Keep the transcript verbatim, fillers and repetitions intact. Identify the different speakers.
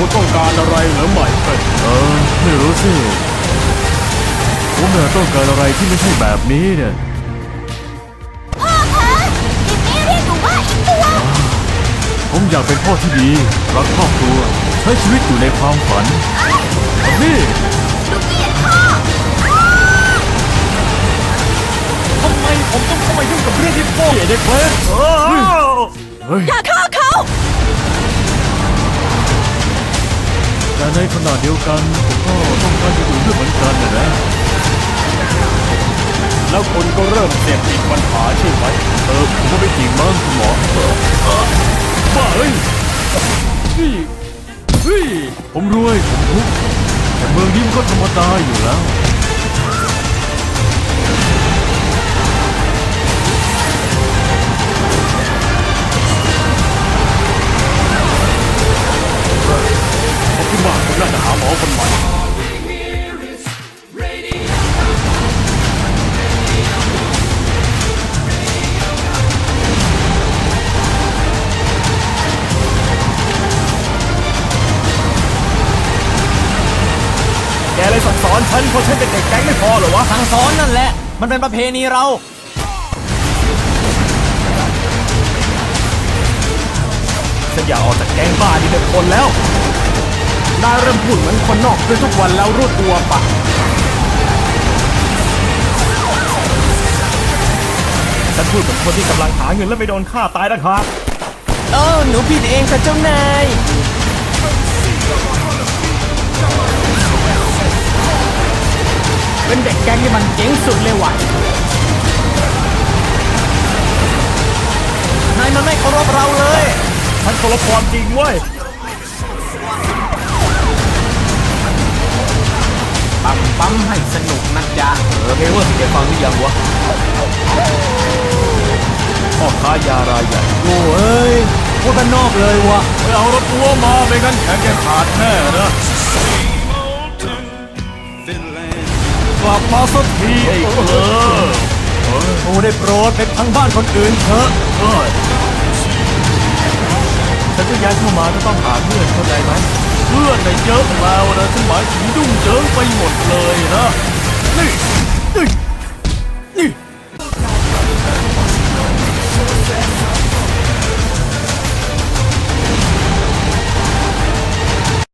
Speaker 1: คุณต้องการอะไรเหรือไม่เป็น
Speaker 2: เออไม่รู้สิผมเนี่ยต้องการอะไรที่ไม่ใช่แบบนี้เนี่ย
Speaker 3: พ่อคะจิมมี่เรียกหนูว่าอีกตัว
Speaker 2: ผมอยากเป็นพ่อที่ดีรักครอบครัวใช้ชีวิตอยู่ในความฝันนี่
Speaker 3: หนูเกลียดพ่อ
Speaker 1: ทำไมผมต้องเข้ามายุ่งกับเรื่องที่พ่อเด็กเว้ย
Speaker 2: เฮ้ย
Speaker 3: อย่าฆ่าเขา
Speaker 2: แต่ในขณะเดียวกันผมก็ต้องการอยู่ด้วยเหมือนกันนะนะ
Speaker 1: แล้วคุณก็เริ่มเสพติดปัญหาใช่ไหม
Speaker 2: เออผมก็ไม่จริงมั้งคุณหมอเออเออบ้าเอ้ยนี่เฮ้ยผมรวยผมทุกข์แต่เมืองนี้มันก็ธรรมดาอยู่แล้ว
Speaker 1: ผมคิดว่าผมน่าจะหาหมอคนใหม่แกเลยสั่งสอนฉันเพราะฉันเป็นเด็กแก๊งไม่พอเหรอวะ
Speaker 4: สั่งสอนนั่นแหละ มันเป็นประเพณีเรา
Speaker 1: ฉันอยากออกจากแก๊งบ้านี่เป็นคนแล้วนายเริ่มพูดเหมือนคนนอกด้วยทุกวันแล้วรู้ตัวปะฉันพูดเหมือนคนที่กำลังหาเงินแล้วไม่โดนฆ่าตายนะครับ
Speaker 4: เออ หนูผิดเองค่ะเจ้านาย
Speaker 1: เป็นเด็กแก๊งที่มันเจ๋งสุดเลยว่ะ
Speaker 4: นายมันไม่เคารพเราเลย
Speaker 1: ฉันเคารพความจริงเว้ย
Speaker 4: ปั๊มปั๊มให้สนุกนะจ๊ะ
Speaker 1: เออเพลงว่าที่แกฟังหรือยังวะพ่อค้ายารายใหญ่
Speaker 4: โอ้เอ้ยพูดบ้านนอกเลยวะ
Speaker 1: ไปเอารถตัวมาไม่งั้นแขนแกขาดแน่นะกลับมาสักทีไอ้เออ
Speaker 4: โอ้ได้โปรดไปพังบ้านคนอื่นเถอะ
Speaker 1: เอ้ยฉันก็ย้ายเข้ามาก็ต้องหาเพื่อนเข้าใจไหมเพื่อนในยเยอะแล้วนะฉันหมายถึงยุ่งเยิงไปหมดเลยนะนี่นี่